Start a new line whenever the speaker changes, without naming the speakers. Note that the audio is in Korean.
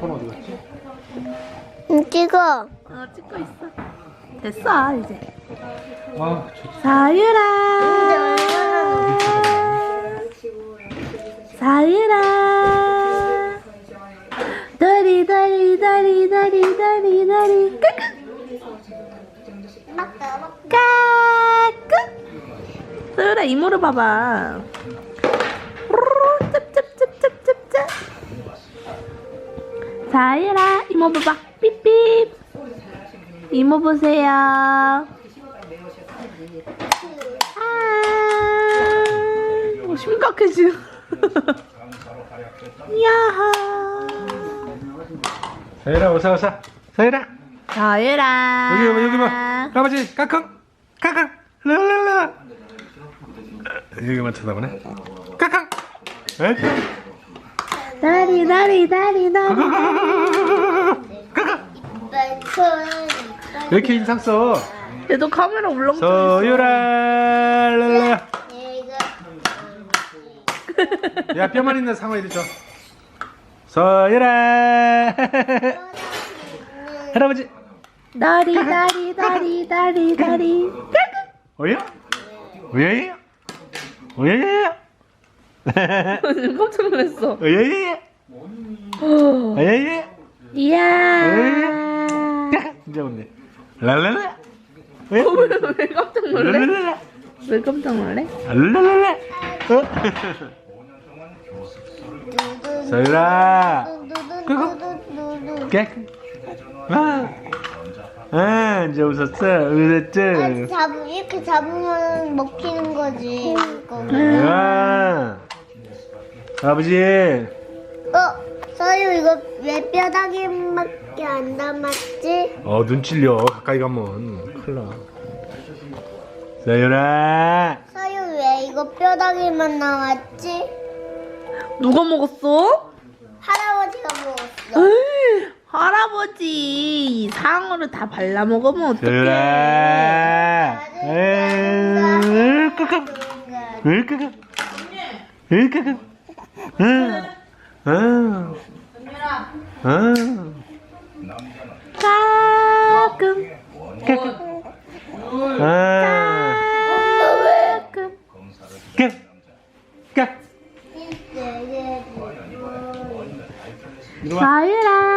아빠는 어디 갔지?
찍어.
찍고 있어. 됐어 이제.
아, 좋다.
사유라. 사유라. 다리 다리 다리 다리 다리 다리 까꿍. 사유라 이모를 봐봐. 짭짭짭짭짭짭. 사유라 이모 봐봐. 삐삐. 이모 보세요. 심각해 지금. 야하.
서율아, 어서. 서율아.
서유라.
여기 봐. 할아버지, 까꿍. 랄랄라. 여기만 쳐다보네. 까꿍. 에이.
다리 다리 다리 다리.
왜 이렇게 인상 써?
얘도 카메라 울렁증 있어.
서율아. 랄랄라. 야, 뼈만 있는 상어 이리 줘. 서율아. 할아버지.
다리 다리 다리 다리 다리.
어여? 어여여? 어여여?
깜짝 놀랐어.
어여여? 어여여?
이야.
진짜 웃네. 랄랄라.
왜 깜짝 놀래?
랄랄라.
왜 깜짝 놀래?
랄랄라. 서율아. 깨. 이제 웃었어. 웃었지?
이렇게 잡으면 먹히는 거지.
아버지.
서유 이거 왜 뼈다귀밖에 안 담았지?
눈 찔려. 가까이 가면 큰일 나. 서율아.
서유 왜 이거 뼈다귀만 나왔지?
누가 먹었어?
할아버지가 먹었어.
에이, 할아버지 상어를 다 발라 먹으면 어떡해?
서율아. 끄끄. 끄끄. 끄끄.
가끔 가끔 사유라.